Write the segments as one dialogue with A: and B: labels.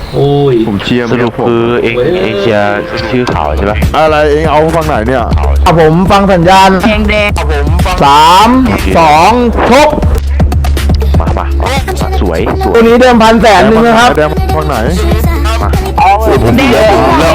A: โอ้ย
B: ผมเชียร์
C: สรุปคือเองเชียร์ชื่อเขาใช่ปะ
B: อะไรเองเอาฟังไหนเนี่ย
D: ผมฟังสัญญาณ
E: แดง
D: 3 2 ชก
C: มาสวย
D: ตัวนี้เดิม1,100,000นะครับ
B: แดงฟังไหน
C: ผมเย็บ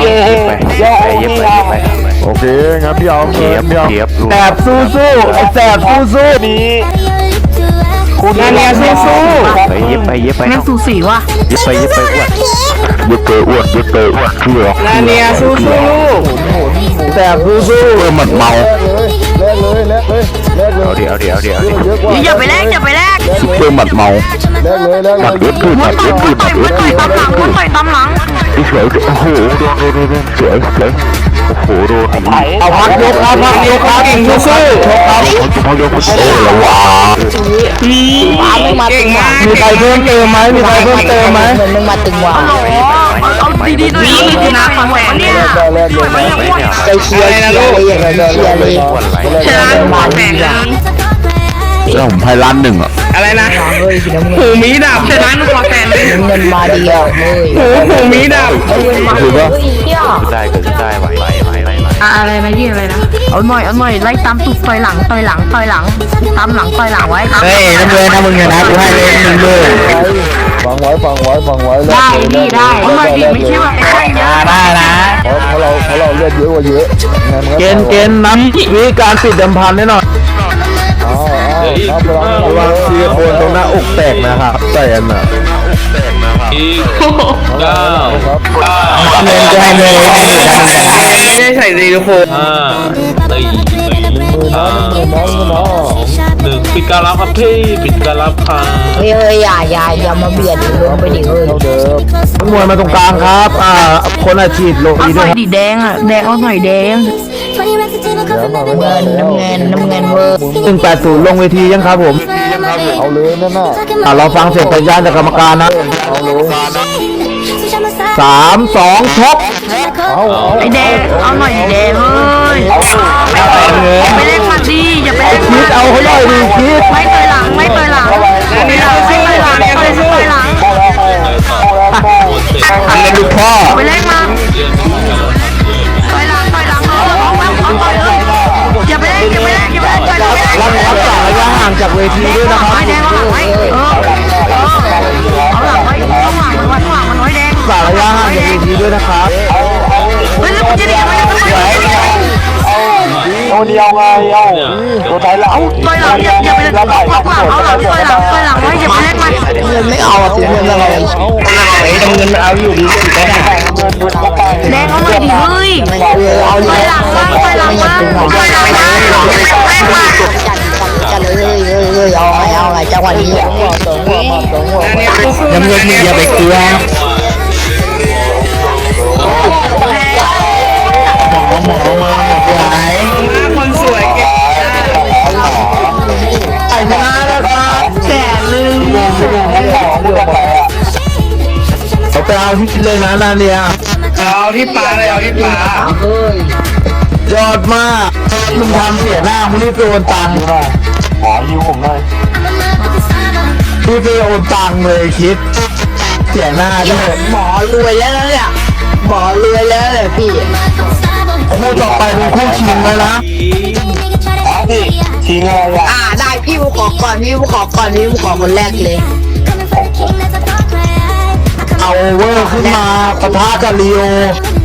C: ไป
B: โอเคงั้นพี่เอา
C: เทียบ
D: แสบสู้ไอ้แสบสู้นี้คุณนาเนียสู้
C: เย็บไป
E: แม่งสูสีว่ะ
C: เย็บไปอ้วนอ้วนเชื่อ
D: นาเนียสู้แสบสู้
C: หมัดเมา
B: แลกเลย
C: เอาดิ
E: อย่าไปแลก
C: ซุปเปอร์หมัดเมา
B: แลกเลย
C: หมัดเอ็ดคือหมัดเอ็ด
E: ต่อยตามหลัง
C: สวยโอ้โหโดนสวยโอ้โหโดน
D: เอาพักยกครับเก่งสู้
C: พอยกโอ้ระวัง
E: เก่งมาก
D: มีใครเพิ่มเติมไหม
E: เอาดีๆด้วยชนะของแหวนเนี่ย
B: แลกเลย
D: ใจเชียร์เลย
E: ชนะของแหวน
C: แล้วผมไพ่ล้าน1อ่ะ
D: อะไรนะหูมีดับ
E: ชนะของแหวนเลย
F: เงินมาเดียว
D: หูมีดับ
C: คือว่าได้ไหว
E: อะไรนะยี่อะไรนะเอาหน่อยไล่ตามตุกต่อยหลังตามหลังต่อยหลังไว้ครับ
D: เฮ้ยน้ำเงินนะมึงเนี่ยนะกูให้เลย1เลย
B: ฟังไว้
E: ได้พี่ได้เอาหน่อยดิไม่ใช่ว่าไม่ได้เยอะ
D: ได้นะ
B: เพราะเราเลือดเยอะกว่าเยอะ
D: เกณฑ์น้ำวิการปิดเดิมพันแน่นอนระวังซีโคนตรงหน้าอกแตกนะครับแตกน่ะ
A: อีก9
D: เงินจะให้เลยไม่ได้ใส่ซีโคน
A: 5 4 3 2 1ปิดการรับครับพี่ปิดการรับค่ะ
F: เฮ้ยอย่ามาเบียดลงไปดิเฮ้ย
D: มวยมาตรงกลางครับคนอาชีพลง
E: เอา
D: ดี
E: ห
D: ด้
E: น่
D: ว
E: อย ยดิแดงเอาหน่อยแดง
F: น้ำเงินเวอร์
D: 180ลงเวทียังครับผม
B: เอาเลยนั่นน่ะ
D: เราฟังเสียงสัญญาณจากกรรมการนะ
B: เอาเลย
D: 3 2 ชก
E: ไอแดงเอาหน่อยดิแดงเฮ้ยไปเล่นมันดีอย่าไปเล่น
D: คิดเอาเขาหน่อยดิคิด
E: ไม่ต่อยหลังไม่ต่อยหลัง
D: อันนี้ลูกพ่อ
E: ไปเล่นมาต่อยหลังอย่าไปเล่นต่อยหลัง
D: รักษาระยะห่างจากเวทีด้วยนะครับ
E: ไว้แดงเอาหลังไว้เอาหลังไว้ต้องหลังมันไว้แดง
D: รักษาระยะห่างจากเวทีด้วยนะครับ
E: เฮ้ยแล้วมันจะดีมันจะไม่ได้
D: ตัวเดียวไงตัวไหนเรา
E: ต่อยหลังอย่าไปเล่นเอาหลังต่อยหลังไว้อย่าไปเล่นมัน
F: เงินไม่เอาเสียเงินอะไร
D: เงินเอาอยู่ดีไม่ได้
E: แดงเอาหน่อยดิเฮ้ยต่อยหลังมา
F: จัดเลยเอาไงจังหวะนี้
D: น้ำเงินนี่อย่าไปเกลือคนสวยเก่งไอ้มาแล้วครับ100,000เขาไปเอาที่เลยนะนาเนียเอาที่ปลาเลยเอาที่ปลายอดมากมึงทำเสียหน้ามึงรีบไปโอนตังค์ขอยืมผมหน่อยรีบไปโอนตังค์เลยคิดเสียหน้าด้วย
F: หมอรวยแล้วเนี่ยหมอรวยแล้วเลยพี่
D: คู่ต่อไปเป็นคู่ชิงเลยนะชิงอะไรอ่ะ
F: ได้พี่บุขอก่อนพี่บุขอคนแรกเลย
D: เอาเวอร์ขึ้นมาปะทะกับลีโอ